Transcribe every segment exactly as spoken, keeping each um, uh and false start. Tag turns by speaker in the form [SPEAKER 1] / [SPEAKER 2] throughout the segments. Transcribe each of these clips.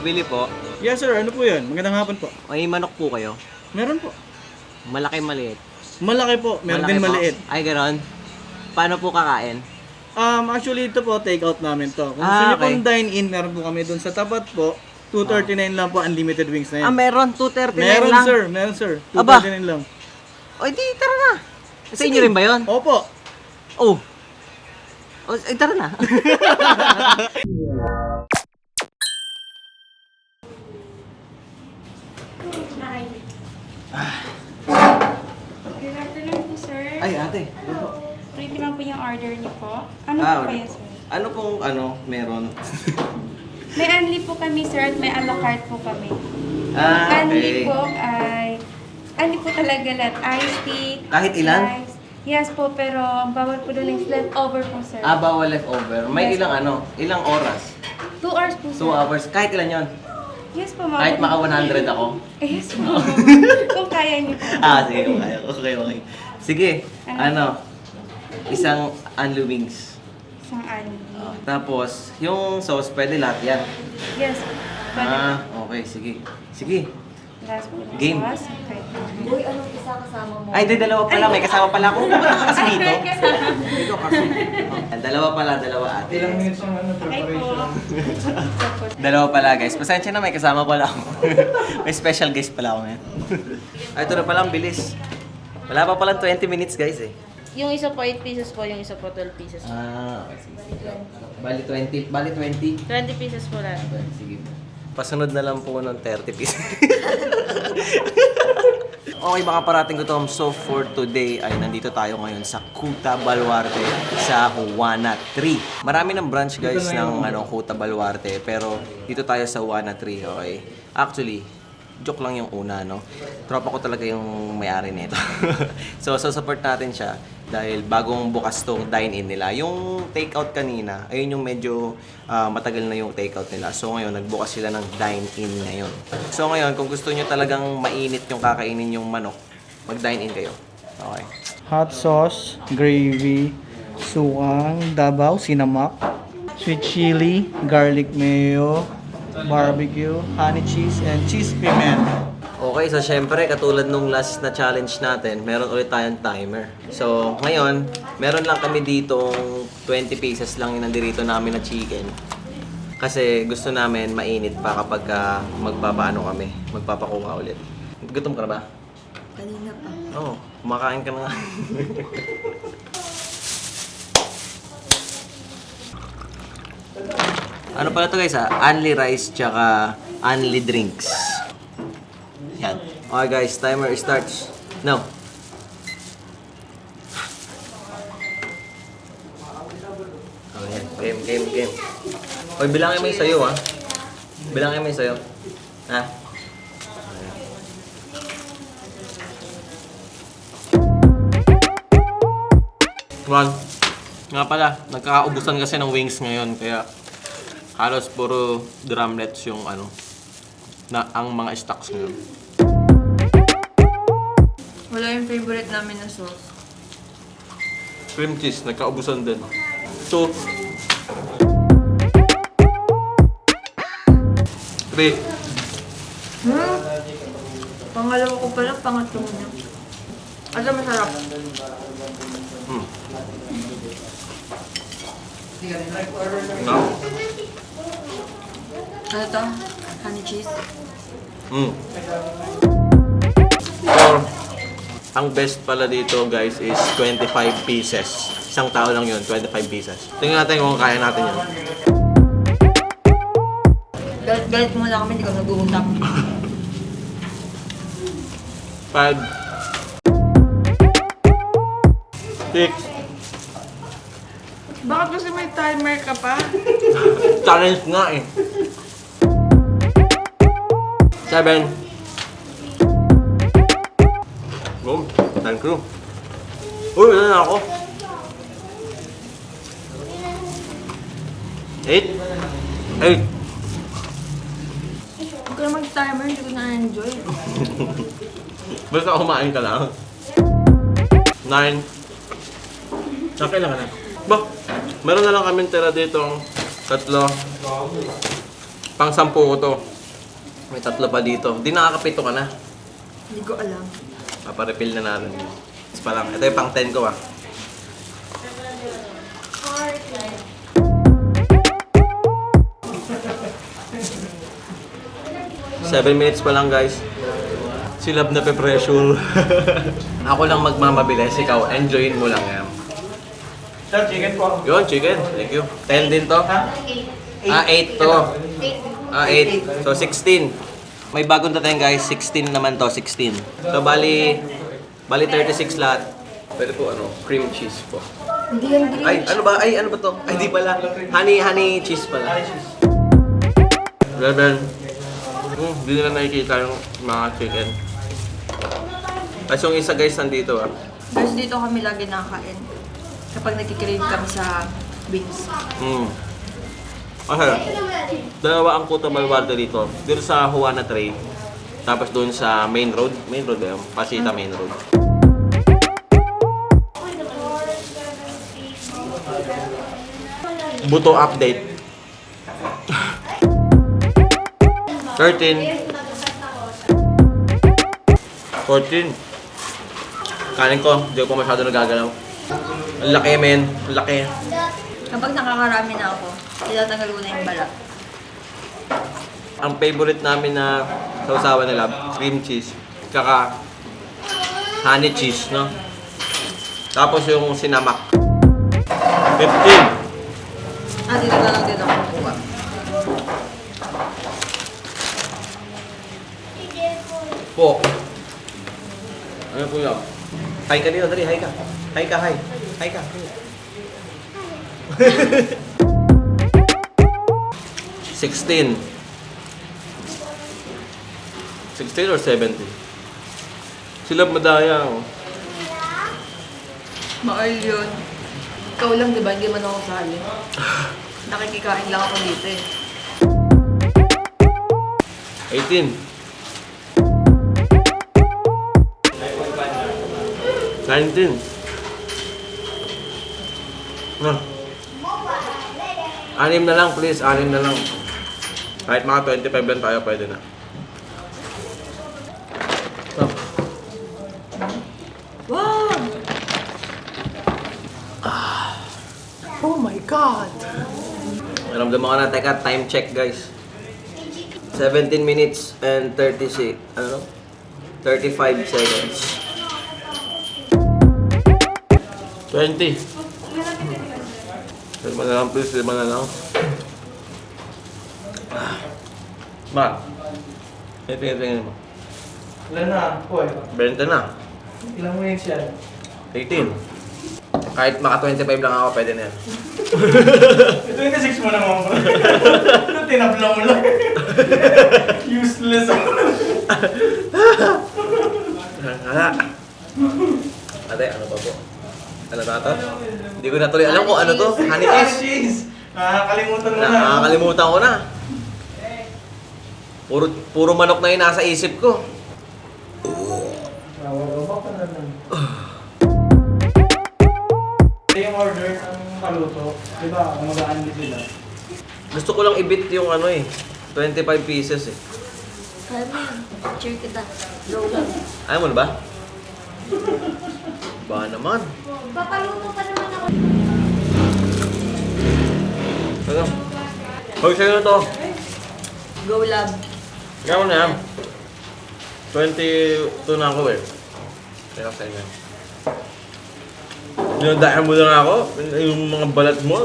[SPEAKER 1] pabili po.
[SPEAKER 2] Yes sir, ano po yan? Magandang hapon po.
[SPEAKER 1] May manok po kayo.
[SPEAKER 2] Meron po.
[SPEAKER 1] Malaki, maliit.
[SPEAKER 2] Malaki po, meron
[SPEAKER 1] Malaki
[SPEAKER 2] din
[SPEAKER 1] po.
[SPEAKER 2] maliit.
[SPEAKER 1] Ay, ganon. Paano po kakain?
[SPEAKER 2] Um, actually ito po, take out namin to. Kung
[SPEAKER 1] Ah,
[SPEAKER 2] gusto nyo
[SPEAKER 1] okay.
[SPEAKER 2] pong dine-in, meron po kami dun sa tapat po. two thirty-nine lang po, unlimited wings na yan.
[SPEAKER 1] Ah, meron. two thirty-nine
[SPEAKER 2] meron
[SPEAKER 1] lang.
[SPEAKER 2] sir, meron sir.
[SPEAKER 1] Aba.
[SPEAKER 2] two thirty-nine lang.
[SPEAKER 1] O, di, tara na. Sa inyo rin ba yun?
[SPEAKER 2] Opo.
[SPEAKER 1] Oh. O, ay, tara na.
[SPEAKER 3] Good afternoon po, sir.
[SPEAKER 1] Ay, ate.
[SPEAKER 3] Ready lang po yung order niyo po. Ano
[SPEAKER 1] Ah,
[SPEAKER 3] po kaya, sir?
[SPEAKER 1] ano pong, ano, meron?
[SPEAKER 3] May unli po kami, sir, at may a la carte po kami.
[SPEAKER 1] Ah,
[SPEAKER 3] Unli
[SPEAKER 1] okay.
[SPEAKER 3] po ay... Unli po talaga lahat. Iced tea.
[SPEAKER 1] Kahit ilan?
[SPEAKER 3] rice. Yes po, pero ang bawal po doon is leftover po, sir.
[SPEAKER 1] Ah, bawal leftover. May
[SPEAKER 3] Yes.
[SPEAKER 1] ilang ano? Ilang oras?
[SPEAKER 3] Two hours po, sir.
[SPEAKER 1] Two hours. Kahit ilan yon?
[SPEAKER 3] Yes po, ma'am.
[SPEAKER 1] Kahit maka one hundred ako?
[SPEAKER 3] Eh, yes po. Kung kaya niyo po.
[SPEAKER 1] Ah, sige. Okay, okay. okay. Sige.
[SPEAKER 3] Ano?
[SPEAKER 1] Ano? Isang unli wings.
[SPEAKER 3] Isang unli.
[SPEAKER 1] Tapos, yung sauce, pwede lahat yan.
[SPEAKER 3] Yes. Pwede
[SPEAKER 1] Ah, okay. Sige. Sige.
[SPEAKER 3] Last po.
[SPEAKER 1] Game.
[SPEAKER 3] Sauce. Okay.
[SPEAKER 4] Uy, anong isa kasama mo?
[SPEAKER 1] Ay, di, dalawa pala. May kasama pala ako. Ba't ka kasi dito?
[SPEAKER 3] Ay, kasama.
[SPEAKER 1] Dito kasi. Oh, dalawa pala, dalawa ate.
[SPEAKER 2] Ilang minutes ang ano,
[SPEAKER 3] Okay po.
[SPEAKER 1] Dalawa pala guys. Pasensya na, may kasama pala ako. May special guest pala ako ngayon. Ay, ito na pala, ang bilis. Wala pa pala twenty minutes guys eh.
[SPEAKER 4] Yung isa po eight pieces po, yung isa po twelve pieces.
[SPEAKER 1] Ah, okay. Sige. Bali twenty. Bali twenty.
[SPEAKER 4] twenty pieces po lahat.
[SPEAKER 1] Sige. Pasunod na lang po ng thirty pieces. Okay mga parating gutom, so for today ay nandito tayo ngayon sa Kuta Baluarte sa Juana three. Marami ng branch guys ng ano, Kuta Baluarte pero dito tayo sa Juana three, okay? Actually, joke lang yung una, no? Tropa ko talaga yung may-ari nito. so, so support natin siya dahil bagong bukas tong dine-in nila. Yung take-out kanina, ayun yung medyo ah, matagal na yung take-out nila. So ngayon, nagbukas sila ng dine-in ngayon. So ngayon, kung gusto nyo talagang mainit yung kakainin yung manok, mag-dine-in kayo. Okay.
[SPEAKER 2] Hot sauce, gravy, suang, dabaw, sinamak, sweet chili, garlic mayo, barbecue, honey cheese, and cheese piment.
[SPEAKER 1] Okay, so syempre, katulad nung last na challenge natin, meron ulit tayong timer. So, ngayon, meron lang kami ditong twenty pieces lang yung nandirito namin na chicken. Kasi gusto namin mainit pa kapag uh, magpapaano kami, magpapakuha ulit. Gutom ka na ba?
[SPEAKER 4] Kanina pa.
[SPEAKER 1] Oo, oh, kumakain ka na nga. Ano pala to guys ha? Only rice tsaka only drinks. Yan. Okay guys, timer starts. Now. Oh, yan. Game, game, game. Oy, bilangin mo yung sayo ha. Bilangin mo yung sayo. Ha? One. Nga pala, nagkakaubusan kasi ng wings ngayon, kaya halos puro drumlets yung ano, na ang mga stocks ngayon.
[SPEAKER 4] Wala yung favorite namin na sauce.
[SPEAKER 1] Cream cheese, nagkaubusan din. Two. Three.
[SPEAKER 4] Hmm? Pangalawa ko pa lang, pangatlo mo na. Asa masarap?
[SPEAKER 1] Hmm. No?
[SPEAKER 4] Ano to? Honey cheese?
[SPEAKER 1] Hmm. Or, ang best pala dito guys is twenty-five pieces. Isang tao lang yun, twenty-five pieces. Tingnan natin kung kaya natin yun.
[SPEAKER 4] Galit-galit mo na kami, hindi ka nag-uusap.
[SPEAKER 1] Five. Six.
[SPEAKER 4] Bakit kasi may timer ka pa?
[SPEAKER 1] Challenge nga eh. Seven. Boom. Thank you. Uy, wala na ako. Eight. Eight.
[SPEAKER 4] Huwag ka na mag-timer, hindi ko na-enjoy.
[SPEAKER 1] Basta kumain ka lang. Nine. Okay lang ka na. Ba, meron na lang kami tira dito. Tatlo. Pang sampu ko to. May tatlo pa dito. Di nakakapito ka na.
[SPEAKER 4] Hindi ko alam.
[SPEAKER 1] Paparefill na natin. Tapos pa lang. Ito yung pang ten ko ah. Seven minutes pa lang guys. Si Love na pe-pressure. Ako lang magmamabilis. Ikaw, enjoyin mo lang yan.
[SPEAKER 2] Sir, chicken po.
[SPEAKER 1] Yun, chicken. Thank you. ten din to. Ah, eight to. Ah, eight. So, sixteen. May bagong dating guys. sixteen naman to. sixteen. So, bali... Bali thirty-six lahat. Pwede po ano, cream cheese po.
[SPEAKER 4] Hindi yan green.
[SPEAKER 1] Ay, ano ba? Ay, ano ba to? Ay, di pala. Honey, honey cheese pala. Rebel. Hmm, di nila nakikita yung mga chicken. Tapos yung isa guys, nandito ah.
[SPEAKER 4] Guys, dito kami lagi nakakain. Kapag nagkikrave kami sa wings.
[SPEAKER 1] Hmm. Okay. Dalawa ang Kuta Baluarte dito. Dito sa Juana Tray. Tapos doon sa main road. Main road ba yun? Pasita main road. Buto update. thirteen. fourteen. Kanin ko, hindi ko masyado nagagalaw. Ang laki, men. Ang laki.
[SPEAKER 4] Kapag nakakarami na ako, tinatanggal ko na yung balat.
[SPEAKER 1] Ang favorite namin na sausawan nila, cream cheese. Kaka honey cheese, no? Tapos yung sinamak. fifteen.
[SPEAKER 4] Ah, dito na lang din ako kukuha.
[SPEAKER 1] Po. Ano po yun? Hi ka dito, dali. Hi ka. Hi ka, hi. Hi ka. sixteen. sixteen or seventeen? Sila madaya. Oh.
[SPEAKER 4] Maal yun. Ikaw lang, di ba? Hindi man ako sali. Nakikikain lang ako dito eh.
[SPEAKER 1] eighteen. nineteen. Ah. Anim na lang, please. Anim na lang. Kahit mga twenty-five lang tayo, pwede na. Oh.
[SPEAKER 4] Wow!
[SPEAKER 1] Oh my God! Naramdaman ko na. Teka, time check guys. seventeen minutes and thirty-six, ano? thirty-five seconds. twenty. Lima na lang please, lima na lang. Ma, tingin-tingin mo.
[SPEAKER 2] Ilan na? Boy.
[SPEAKER 1] twenty na.
[SPEAKER 2] Ilang minutes yan?
[SPEAKER 1] eighteen. Kahit maka twenty-five lang ako, pwede na yan.
[SPEAKER 2] twenty-six mo naman bro. Ano tinabla mo lang? Useless.
[SPEAKER 1] Hala. Ate, ano ba po? Ano na to? Hindi ko na tuloy alam kung ano to. Honey cheese.
[SPEAKER 2] Cheese. Nakakalimutan mo na.
[SPEAKER 1] Nakakalimutan ko na. Puro, puro manok na yung nasa isip ko.
[SPEAKER 2] Nawawabak ka na lang. Yung order ng paluto, di ba, magaan din sila.
[SPEAKER 1] Gusto ko lang i-beat yung ano eh. twenty-five pieces eh.
[SPEAKER 4] Kaya mo yun. Cheer kita. Go lang.
[SPEAKER 1] Ayaw mo na ba? Ba naman.
[SPEAKER 3] Papaluto pa naman ako.
[SPEAKER 1] Ano? Hoy, sa'yo na to.
[SPEAKER 4] Go lab.
[SPEAKER 1] Gawin na yan. twenty-two na ako eh. Kaya sa'yo na. Dinadahan mo na ako. Yung mga balat mo.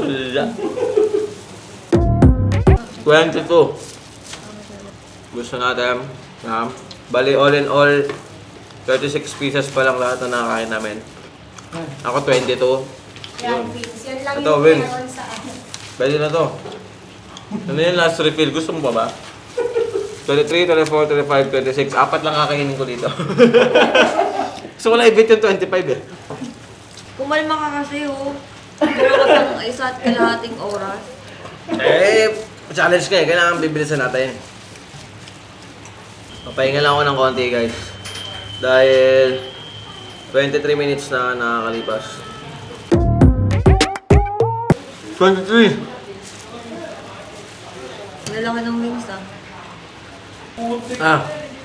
[SPEAKER 1] twenty-two. Gusto natin. Um, bali all in all, thirty-six pieces pa lang lahat na nakakain namin. Ako twenty-two.
[SPEAKER 3] Yan, Vince. Yan lang
[SPEAKER 1] Ito,
[SPEAKER 3] yung
[SPEAKER 1] Vince.
[SPEAKER 3] meron sa akin.
[SPEAKER 1] Pwede na to. Ano yung last refill? Gusto mo ba ba? twenty-three, twenty-four, twenty-five, twenty-six. Apat lang kakainin ko dito. Gusto ko lang i-beat yung twenty-five eh.
[SPEAKER 4] Kumalma ka kasi oh. Pero ka pang isa at kalahating oras.
[SPEAKER 1] Eh, challenge ka eh. Kailangan bibilisan natin. Papahinga lang ako ng konti guys. Dahil twenty-three minutes na nakakalipas. twenty-three!
[SPEAKER 4] Lalaki ng wings ah.
[SPEAKER 1] Ah,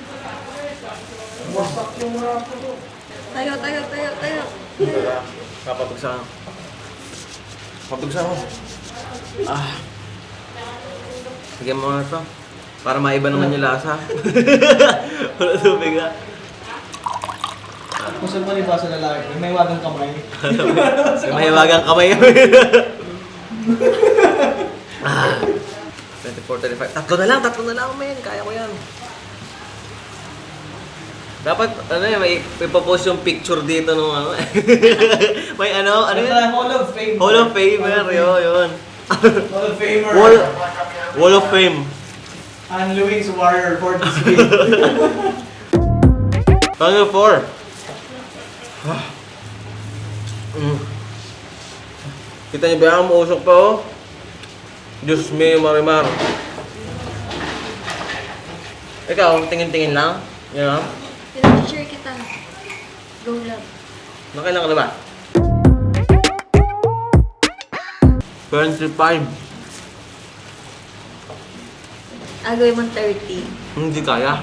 [SPEAKER 4] Tayo, tayo, tayo, tayo.
[SPEAKER 1] kapatugsa. Kapatugsa mo. Ah. Sige mo nga ito. Para maiba naman yung lasa. Wala tubig ah.
[SPEAKER 2] Kung saan mo liba sa lalaki, may wagang kamay.
[SPEAKER 1] May mahiwagang kamay. Ah. twenty-four, twenty-five. Tatlo na lang, tatlo na lang, men. Kaya ko yan. Dapat, ano yun, may, may papost yung picture dito nung ano. May ano, ano yun?
[SPEAKER 2] Hall of Fame.
[SPEAKER 1] Hall of Famer, yun, yun.
[SPEAKER 2] Hall of Famer.
[SPEAKER 1] Wall, Wall of Fame.
[SPEAKER 2] And Louis Warrior for this week.
[SPEAKER 1] Final four. Mm. Kita niyo ba ang mausok pa oh? Diyos me, marimar. Ikaw, tingin-tingin lang. You know?
[SPEAKER 4] Pinag-share kita. Go love.
[SPEAKER 1] Nakailan ka na ba? twenty-five.
[SPEAKER 4] Agawin mong thirty.
[SPEAKER 1] Hindi kaya.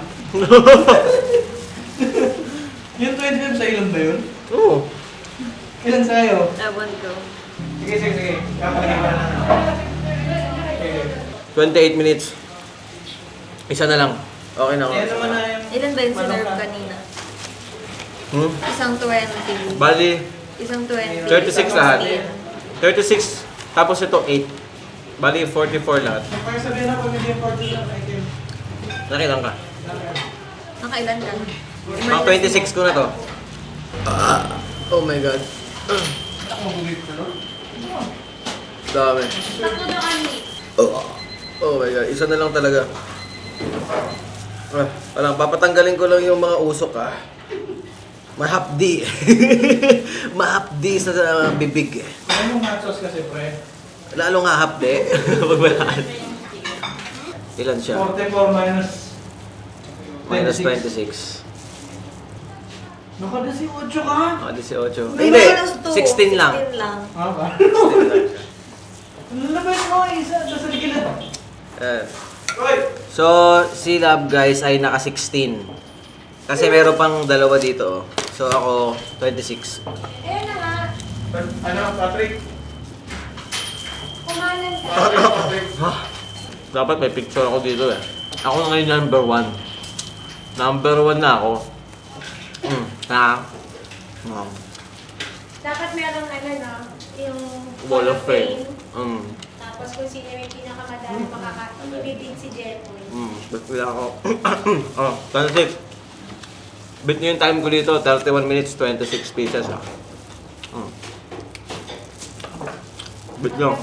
[SPEAKER 2] Yung twenty-five sa ilan ba yun?
[SPEAKER 1] Oo.
[SPEAKER 2] Ilan sa'yo?
[SPEAKER 4] Laban ko.
[SPEAKER 2] Sige, sige, sige. Kapagin ka na. Okay.
[SPEAKER 1] twenty-eight minutes. Isa na lang. Okay na ako.
[SPEAKER 2] Yan naman na yung...
[SPEAKER 4] Ilan ba yung sinerve kanina?
[SPEAKER 1] Hmm?
[SPEAKER 4] Isang twenty.
[SPEAKER 1] Bali,
[SPEAKER 4] Isang twenty.
[SPEAKER 1] thirty-six
[SPEAKER 4] isang
[SPEAKER 1] lahat.
[SPEAKER 4] fifteen.
[SPEAKER 1] thirty-six. Tapos ito, eight. Bali, forty-four lahat.
[SPEAKER 2] Pag sabihin na pag hindi yung forty lang, I can...
[SPEAKER 1] Nakilang ka.
[SPEAKER 4] Nakailan ka?
[SPEAKER 1] Mga twenty-six ko na to. Ah, oh my God.
[SPEAKER 2] Ako magulit ko, no?
[SPEAKER 1] Dami.
[SPEAKER 4] Tatlo na kami.
[SPEAKER 1] Oh, oh my God. Isa na lang talaga. Ah, alam, papatanggalin ko lang yung mga usok ah. Mahapdi. Mahapdi sa uh, bibig.
[SPEAKER 2] Ano yung hot sauce kasi, pre?
[SPEAKER 1] Lalo nga hapdi. Pag malakas. Ilan siya?
[SPEAKER 2] forty-four minus...
[SPEAKER 1] Minus twenty-six.
[SPEAKER 2] Naka-eighteen ka?
[SPEAKER 1] Oh, eighteen.
[SPEAKER 4] May
[SPEAKER 1] Hindi,
[SPEAKER 4] minus two.
[SPEAKER 1] sixteen lang.
[SPEAKER 4] sixteen lang.
[SPEAKER 2] Ah, ba?
[SPEAKER 1] sixteen lang siya.
[SPEAKER 2] Lalabas mo isa, nasa gilid.
[SPEAKER 1] Eh.
[SPEAKER 2] Roy!
[SPEAKER 1] So, si Love guys ay naka sixteen. Kasi meron pang dalawa dito. oh. So ako, twenty-six.
[SPEAKER 3] Ayun na nga.
[SPEAKER 2] Ano, Patrick?
[SPEAKER 3] Kumalan ka.
[SPEAKER 1] Dapat may picture ako dito eh. Ako na ngayon number one. Number one na ako. Mm. Na. Um,
[SPEAKER 3] Dapat meron ano no, yung
[SPEAKER 1] Wall of Fame. Mm.
[SPEAKER 3] Tapos kung sino yung pinakamadami makaka ibibig si Jeffoy.
[SPEAKER 1] Mm. Ba't wala ako? Oh, twenty-six. Bit niyo yung time ko dito, thirty-one minutes, twenty-six pieces ah. Mm. Bit niyo.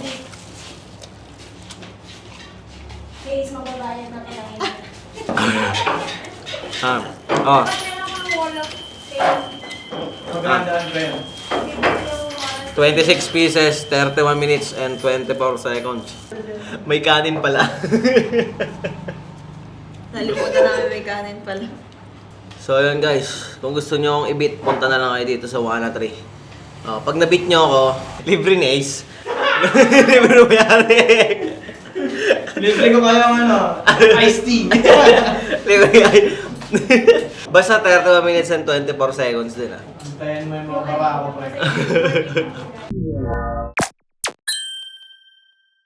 [SPEAKER 3] Guys, mababayad na kailangan.
[SPEAKER 1] Ah. Oh.
[SPEAKER 3] Dapat meron kang Wall of Fame.
[SPEAKER 2] Magandaan, pre.
[SPEAKER 3] Ibibig yung mga
[SPEAKER 1] twenty-six pieces, thirty-one minutes, and twenty-four seconds. May kanin pala.
[SPEAKER 4] Nalimutan namin may kanin pala.
[SPEAKER 1] So yun guys, kung gusto nyo akong i-beat, punta na lang kayo dito sa Wana three. Oh, pag na-beat nyo ako, libre ni Ace. Libre mo yari.
[SPEAKER 2] Libre ko kayo ang ano, iced tea.
[SPEAKER 1] Libre yan. Basta thirty-one minutes and twenty-four seconds din ah.
[SPEAKER 2] Antayin mo yung mga baba ko, pre.